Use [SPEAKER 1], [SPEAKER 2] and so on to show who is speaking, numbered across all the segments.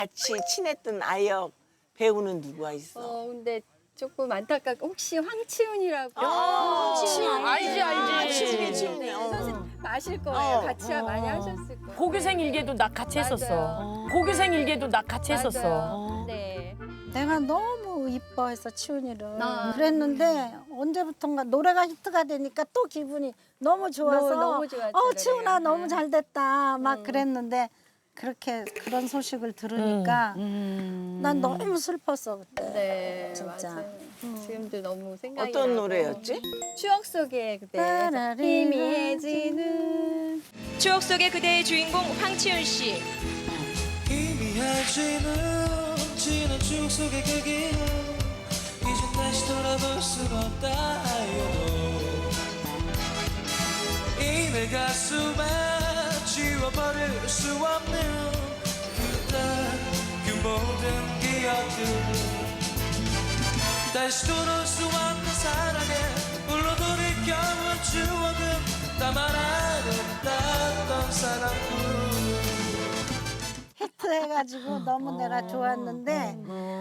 [SPEAKER 1] 같이 친했던 아역 배우는 누가 있어?
[SPEAKER 2] 근데 조금 안타깝고 혹시 황치훈이라고.
[SPEAKER 1] 알지.
[SPEAKER 2] 선생님 아실 거예요. 같이 많이 하셨을 거예요.
[SPEAKER 3] 고교생 일기도 나 같이 했었어.
[SPEAKER 2] 맞아요.
[SPEAKER 3] 고교생 일기도 나 같이 했었어.
[SPEAKER 2] 맞아요. 네.
[SPEAKER 4] 내가 너무 이뻐해서 치훈이를
[SPEAKER 2] 아.
[SPEAKER 4] 그랬는데 언제부턴가 노래가 히트가 되니까 또 기분이 너무 좋아서
[SPEAKER 2] 너무 좋았죠,
[SPEAKER 4] 치훈아
[SPEAKER 2] 노래가.
[SPEAKER 4] 너무 잘 됐다 막
[SPEAKER 2] 음.
[SPEAKER 4] 그랬는데 그런 소식을 들으니까 난 너무 슬펐어 그때.
[SPEAKER 2] 네,
[SPEAKER 4] 진짜.
[SPEAKER 2] 맞아요. 지금도 너무 생각이
[SPEAKER 1] 어떤
[SPEAKER 2] 나고.
[SPEAKER 1] 노래였지?
[SPEAKER 2] 추억 속에 그때 희미해지는.
[SPEAKER 5] 추억 속의 그대의 주인공 황치훈 씨.
[SPEAKER 6] 희미해지는 지난 추억 속의 그 기억 이젠 다시 돌아볼 수가 없다 하여도 이 내 가슴에 지워버릴 수 없는 그때 그 모든 기억들 다시 돌아올 수 없는 사랑에 불러 돌이켜본 추억은 나만 아름다웠던 사랑뿐
[SPEAKER 4] 히트해가지고 너무 내가 좋았는데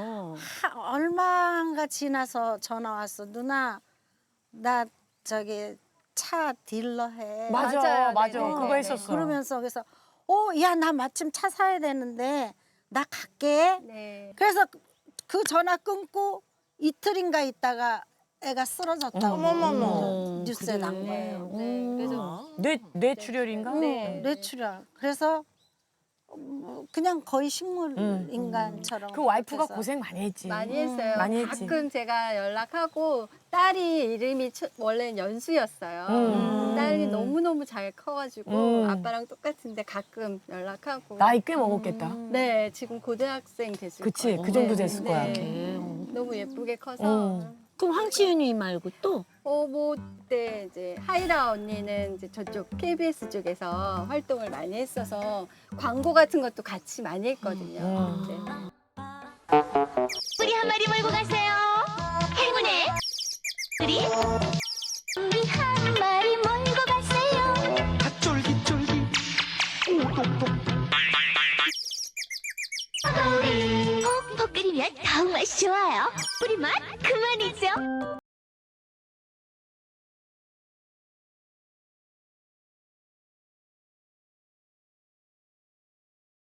[SPEAKER 4] 얼마가 지나서 전화 왔어. 누나 나 저기 차 딜러 해.
[SPEAKER 2] 맞아요.
[SPEAKER 3] 맞아.
[SPEAKER 2] 네네.
[SPEAKER 3] 그거 했었어.
[SPEAKER 4] 그러면서 그래서 야 나 마침 차 사야 되는데 나 갈게.
[SPEAKER 2] 네.
[SPEAKER 4] 그래서 그 전화 끊고 이틀인가 있다가 애가 쓰러졌다고
[SPEAKER 1] 어머머머.
[SPEAKER 4] 뉴스에 난
[SPEAKER 2] 네.
[SPEAKER 4] 거예요.
[SPEAKER 2] 네. 그래서
[SPEAKER 3] 뇌출혈인가?
[SPEAKER 2] 네.
[SPEAKER 4] 뇌출혈. 그래서 그냥 거의 식물 인간처럼.
[SPEAKER 3] 그 와이프가
[SPEAKER 4] 그래서
[SPEAKER 3] 고생 많이 했지.
[SPEAKER 2] 많이 했어요.
[SPEAKER 3] 많이 했지.
[SPEAKER 2] 가끔 제가 연락하고 딸이 이름이 원래는 연수였어요. 딸이 너무너무 잘 커가지고 아빠랑 똑같은데 가끔 연락하고.
[SPEAKER 3] 나이 꽤 먹었겠다.
[SPEAKER 2] 네, 지금 고등학생 됐을
[SPEAKER 3] 그치,
[SPEAKER 2] 거예요.
[SPEAKER 3] 그 정도
[SPEAKER 2] 네,
[SPEAKER 3] 됐을
[SPEAKER 2] 네.
[SPEAKER 3] 거야.
[SPEAKER 2] 너무 예쁘게 커서.
[SPEAKER 7] 그럼 황치윤이 말고 또?
[SPEAKER 2] 뭐 그때 이제 하이라 언니는 이제 저쪽 KBS 쪽에서 활동을 많이 했어서 광고 같은 것도 같이 많이 했거든요. 네.
[SPEAKER 8] 우리 한 마리 몰고 가세요. 행운의 우리 한 마리 몰고 가세요.
[SPEAKER 6] 쫄깃쫄깃
[SPEAKER 8] 콕콕 끓이면 더욱 맛이 좋아요. 우리 맛 그만이죠.